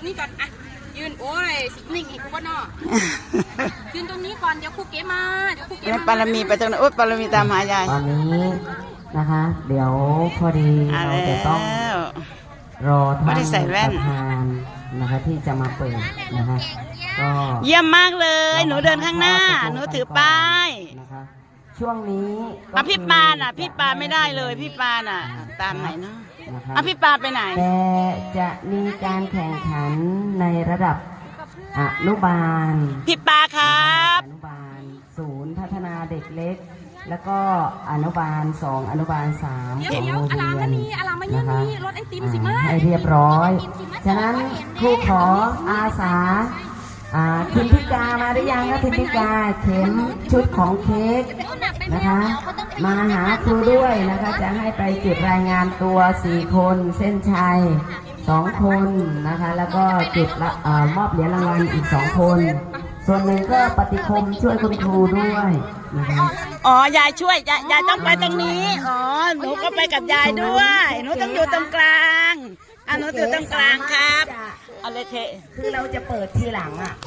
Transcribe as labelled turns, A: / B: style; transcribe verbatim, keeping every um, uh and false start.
A: นี่ก่อนอ่ะยืนโอ้ยสินิ่งอีกกูก็นอยืนตรงนี้ก่อนเดี๋ยวครูเก๋มาเดี๋ยวครูเก๋
B: แล้ว
A: มา
B: ปารมีไปตรงนั้นโอ๊ยปารมีตามหายาย
C: ตอนนี้นะคะ เดี๋ยวพอดี
B: อ่ะ
C: เรา
B: แล้
C: จะต้อง
B: ว
C: รอ
B: ไม่
C: ท่าน
B: ได้ใส่แว่น
C: ประธานนะคะที่จะมาเปิดนะคะก็
B: เยี่ยมมากเลย หนูเดินข้างหน้า หนูถือป้าย
C: นะคะช่วงนี้ก็
B: อ่ะพี่ปาน่ะ พี่ปาไม่ได้เลย พี่ปาน่ะ ตามไหนเนาะ
C: นะคะ
B: อ่ะพี่ปาไปไหน
C: แต่จะมีการแข่งขันในระดับอนุบาล
B: พี่ปาครับ
C: อนุบาลศูนย์พัฒนาเด็กเล็ก แล้วก็อนุบาลสองอนุบาลสาม
A: เดี๋ยว
C: ของ
A: เดี๋ยว
C: โรง
A: อลา
C: เรีย
A: มาน นี่อลามายืนนี่รถไอติมสิมา
C: ให้เรียบร้อย ฉะนั้นครูขออาสาอ่าทิมพิกามาหรือยังนะทิมพิกาเข็มชุดของเค้กนะคะ มาหาครูด้วยนะคะ จะให้ไปจุดรายงานตัวสี่คนเส้นชัยสองคนนะคะ แล้วก็จุดละเอ่อมอบเหรียญรางวัลอีกสองคน ส่วนหนึ่งก็ปฏิคมช่วยคุณครูด้วยนะคะ
B: อ๋อยายช่วยยายยายต้องไปตรงนี้ อ๋อ หนูก็ไปกับยายด้วย หนูต้องอยู่ตรงกลาง อ่ะหนูอยู่ตรงกลางครับเอาเลยเท
C: คือเราจะเปิดทีหลังอ่ะ